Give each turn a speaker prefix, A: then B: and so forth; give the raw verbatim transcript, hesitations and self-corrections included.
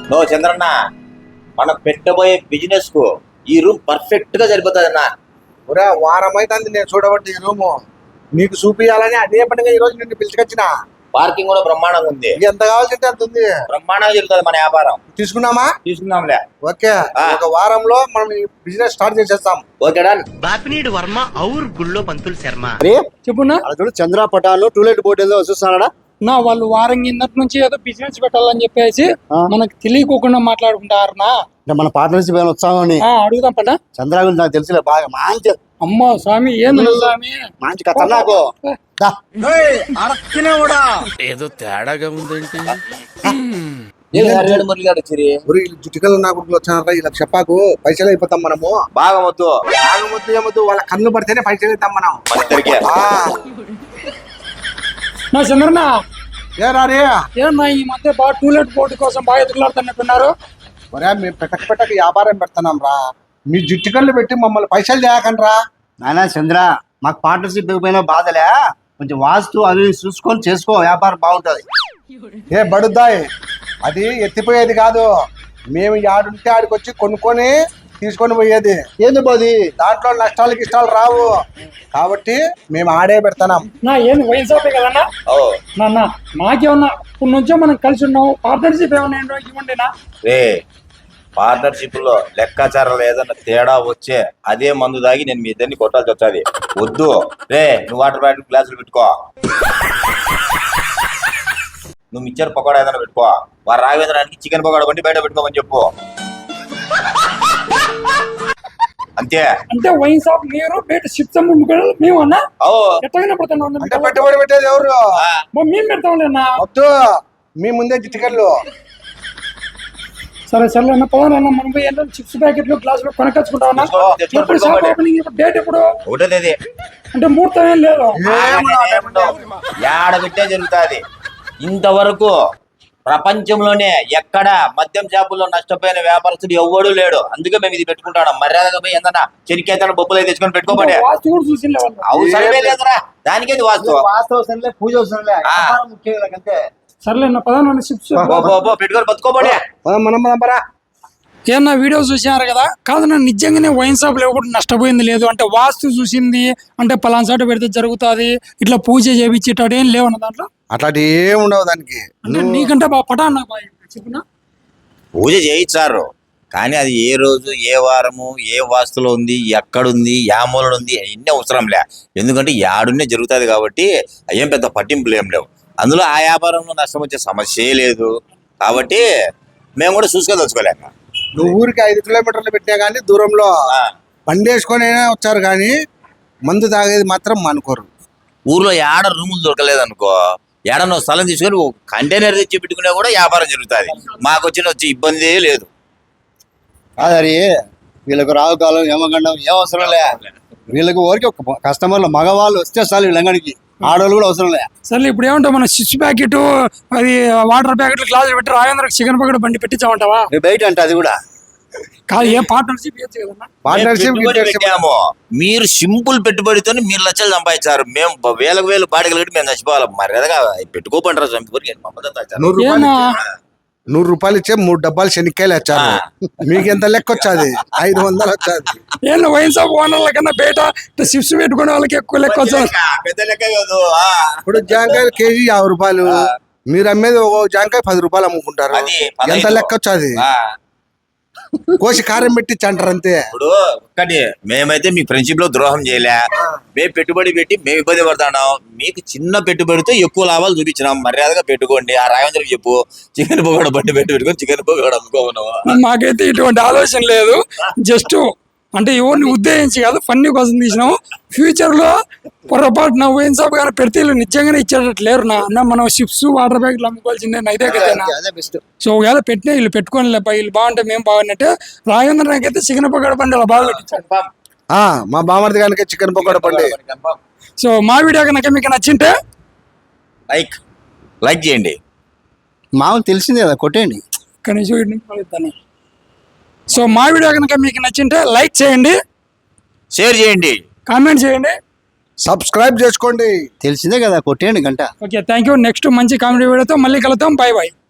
A: No Chandranna, మనం పెట్టబోయే business కు ఈ రూమ్ పర్ఫెక్ట్ గా సరిపోతుంది అన్న.
B: ఒరే వారం అయితే నేను చూడబట్టి ఈ రూము నీకు చూపియాలని అదే పనిగా ఈ రోజు నిన్ను పిలుచుకొచ్చిన.
A: పార్కింగ్ కూడా బ్రహ్మాండంగా ఉంది.
B: ఎంత కావాల్సింటే అంత ఉంది.
A: బ్రహ్మాండంగా జరుగుతుంది మన వ్యాపారం.
B: తీసుకున్నామా?
A: తీసుకుందాంలే.
B: ఓకే, ఒక వారంలో మనం ఈ బిజినెస్ స్టార్ట్ చేసేస్తాం.
A: Okay done.
C: బాపినీడు వర్మ ఔర్ గుళ్ళో పంతులు శర్మ.
D: చెప్పున్నా
B: చూడు చంద్ర పటాలు టూలెట్ బోర్డు ఏదో చూస్తున్నాడా
D: నా వాళ్ళు వారం కిందటి నుంచి ఏదో బిజినెస్ పెట్టాలని చెప్పేసి మనకు తెలియకోకుండా మాట్లాడుకుంటారనా.
B: మన పార్ట్నర్షిప్ ఏమైనా వచ్చామని
D: అడుగుదాం పట.
B: చంద్ర గురించి నాకు తెలుసులే బాగా. మంచి
D: అమ్మా స్వామి ఏంది స్వామి,
B: మంచి కథ నాకు.
C: ఏదో తేడాగా ఉందేంటి.
B: జుట్టుకలు నా గుడికి వచ్చానరా, ఇలా చెప్పాకు పైసలు అయిపోతాం మనము.
A: బాగా వద్దు,
B: బాగా వద్దు ఏమొద్దు, వాళ్ళ కన్ను పడితేనే పైసలు అవుతాం మనం.
D: నా చంద్రన్న
B: ఏ రారే
D: ఏమన్నా ఈ మధ్య బాగా టూలెట్ బోర్డు కోసం బాగా ఎదుగులాడుతున్నట్టున్నారు.
B: ఒరే మేము పెట్టక పెట్టక వ్యాపారం పెడుతున్నాం రా, మీ జుట్టుకళ్ళు పెట్టి మమ్మల్ని పైసలు చేయకండి రా.
E: నాయనా చంద్ర, మాకు పార్ట్నర్షిప్ ఇవ్వకపోయినా బాధలే, కొంచెం వాస్తు అవి చూసుకొని చేసుకో, వ్యాపారం బాగుంటది.
B: ఏ బడుద్దాయి, అది ఎత్తిపోయేది కాదు, మేము ఆడుంటే ఆడికి వచ్చి కొనుక్కొని తీసుకొని పోయేది.
E: ఏంది పోది,
B: దాంట్లో నష్టాలకి ఇష్టాలు రావు కాబట్టి మేము ఆడే పెడతాం.
D: నా ఏంది వైన్ షాపే కదన్నా నాన్న, మాకేమన్నా ఇప్పుడు నుంచో మనం కలిసి ఉన్నావు, పార్ట్నర్షిప్ ఏమన్నా ఏంటో ఇవ్వండి నా.
A: రే పార్ట్నర్షిప్ లో లెక్కాచారాలు ఏదన్నా తేడా వచ్చే అదే మందు దాగి నేను మీ ఇద్దరిని కొట్టాల్సి వచ్చాది. వద్దు రే, నువ్వు వాటర్ బాటిల్ గ్లాసులు పెట్టుకో, నువ్వు మిక్చర్ పకోడా ఏదైనా పెట్టుకో, వారు రావేదనానికి చికెన్ పకోడా బండి బయట పెట్టుకోమని చెప్పు, అంతే.
D: అంటే వైన్ షాప్ మీరు బయట షిప్స్ మేము అన్నా ఎట్టగానే పెడతాను.
B: అంటే పెట్టుబడి పెట్టేది ఎవరు?
D: మేము పెడతాంలేనా.
B: వద్దు, మీ ముందే టికెట్లు.
D: సరే సరే అన్న పవన్ అన్న, మనం పోయి చిప్స్ ప్యాకెట్లు గ్లాసులు కొనకొచ్చుకుంటామన్నా. ఎప్పుడు షాప్ ఓపెనింగ్, ఇప్పుడు డేట్ ఎప్పుడు?
A: ఒకటో తేదీ.
D: అంటే ముహూర్తం ఏం లేదు,
A: ఏడ పెట్టే జరుగుతుంది. ఇంతవరకు ప్రపంచంలోనే ఎక్కడ మద్యం షాపుల్లో నష్టపోయిన వ్యాపారస్తుడు ఎవ్వడూ లేడు. అందుకే మేము ఇది పెట్టుకుంటాం. మర్యాదగా పోయి ఏందన్నా చెరికేతన బొప్పులు అయితే తెచ్చుకొని పెట్టుకోబడే అవసరమే లేదురా, దానికేది వాస్తు.
E: వాస్తు అవసరం లే, పూజ అవసరం లే, వ్యాపారం ముఖ్యం అంతే.
D: సర్లే అన్న పదాన్ని చిప్స్
A: పెట్టుకొని బతుకోబడే.
D: ఏమన్నా వీడియో చూసారు కదా, కాదు నన్ను నిజంగానే వైన్ షాప్ లేకపోతే నష్టపోయింది లేదు. అంటే వాస్తు చూసింది, అంటే పలానా చోట పెడితే జరుగుతుంది, ఇట్లా పూజ చేయించేటట్టు ఏం లేవన్న దాంట్లో.
B: అట్లాంటి ఏం ఉండవు దానికి.
D: నీకంటే బాగా పటా అన్న చెప్పిన
A: పూజ చేయించారు, కానీ అది ఏ రోజు ఏ వారము ఏ వాస్తులో ఉంది, ఎక్కడుంది, యా మూలలో ఉంది, అవన్నీ అవసరం లే. ఎందుకంటే యాడున్నే జరుగుతుంది కాబట్టి ఏం పెద్ద పట్టింపులు ఏం లేవు. అందులో ఆ వ్యాపారంలో నష్టం వచ్చే సమస్యే లేదు కాబట్టి మేము కూడా చూసుకోదలుచుకోలేక.
B: నువ్వు ఊరికి ఐదు కిలోమీటర్లు పెట్టినా కానీ దూరంలో బండి వేసుకొని వచ్చారు, కానీ మందు తాగేది మాత్రం మానుకోరు.
A: ఊర్లో ఏడ రూములు దొరకలేదు అనుకో, ఏడనో స్థలం తీసుకొని కంటైనర్ తెచ్చి పెట్టుకునే కూడా వ్యాపారం జరుగుతుంది. మాకు వచ్చిన వచ్చి ఇబ్బంది లేదు.
E: అదే వీళ్ళకు రావు కాలం ఏమగండం ఏం అవసరం లే. వీళ్ళకి ఊరికి ఒక కస్టమర్లు మగవాళ్ళు వస్తే చాలు, వీళ్ళంగడికి ఆడవాళ్ళు కూడా అవసరం లే.
D: సరే ఇప్పుడు ఏమంటావు, మన చిప్స్ ప్యాకెట్, అది వాటర్ ప్యాకెట్లు గ్లాసులు పెట్టి రాజేంద్రకి చికెన్ పకోడా బండి పెట్టించామంటావా?
E: బయట అంటే అది కూడా
D: కాదు, ఏ పార్ట్నర్షిప్ కదన్నా.
B: పార్ట్నర్షిప్
A: పెట్టాము, మీరు సింపుల్ పెట్టుబడితో మీరు లక్షలు సంపాదించారు, మేము వేలకు వేలు బాడీలు కట్టి మేము చచ్చిపోవాలి. మర్యాదగా పెట్టుకోపంటారు.
B: నూరు రూపాయలు నూరు రూపాయలు ఇచ్చే మూడు డబ్బాలు శనిక్కాయలు వచ్చారు, మీకు ఎంత లెక్క వచ్చాది? ఐదు వందలు వచ్చాది.
D: ఏం వైన్ షాప్ ఓనర్ల కన్నా బయట చిప్స్ పెట్టుకునే వాళ్ళకి ఎక్కువ లెక్క వచ్చాది.
A: పెద్ద లెక్క కాదు.
B: ఇప్పుడు జాంకాయలు కేజీ యాభై రూపాయలు, మీరు అమ్మేది ఒక జాంకాయ పది రూపాయలు అమ్ముకుంటారు, ఎంత లెక్క వచ్చాది? కోసి కారం పెట్టించి అంటారు అంతే.
A: ఇప్పుడు ఒక్కటి, మేమైతే మీ ఫ్రెండ్షిప్ లో ద్రోహం చేయలే, మేము పెట్టుబడి పెట్టి మేము ఇబ్బంది పడతాం. మీకు చిన్న పెట్టుబడితో ఎక్కువ లాభాలు చూపించినాం, మర్యాదగా పెట్టుకోండి. ఆ రాజేంద్రకి చెప్పు చికెన్ పకోడా బండి పెట్టి పెట్టుకొని చికెన్ పకోడా అమ్ముకోను.
D: మాకైతే ఇటువంటి ఆలోచన లేదు, జస్ట్ అంటే ఎవరిని ఉద్దేశించి కాదు, ఫన్నీ కోసం తీసినాము. ఫ్యూచర్ లో పొరపాటు నా వైన్ షాప్ కానీ పెడితే వీళ్ళు నిజంగానే ఇచ్చేటట్టు లేరు నా అన్న. మనం చిప్స్ వాటర్ ప్యాకెట్లు అమ్ముకోవాల్సిందే అయితే కదా. సో ఒకవేళ పెట్టినా వీళ్ళు పెట్టుకోని లేప, వీళ్ళు బాగుంటే మేము బాగున్నట్టే. రాజేంద్ర నాకైతే చికెన్ పకోడా బండి అలా బాగా పెట్టించాడు.
B: మా బామర్ది కనుక చికెన్ పకోడా బండి.
D: సో మా వీడియో కనుక మీకు నచ్చింటే
A: లైక్ లైక్ చేయండి.
E: మామూలు తెలిసింది కదా, కొట్టేయండి.
D: కనీసం సో మా వీడియో కనుక మీకు నచ్చింటే లైక్ చేయండి,
A: షేర్ చేయండి,
D: కామెంట్ చేయండి,
B: సబ్స్క్రైబ్ చేసుకోండి.
E: తెలిసిందే కదా, కొట్టేయండి గంట.
D: Okay, thank you. నెక్స్ట్ మంచి కామెడీ వీడియోతో మళ్ళీ కలుద్దాం. Bye bye.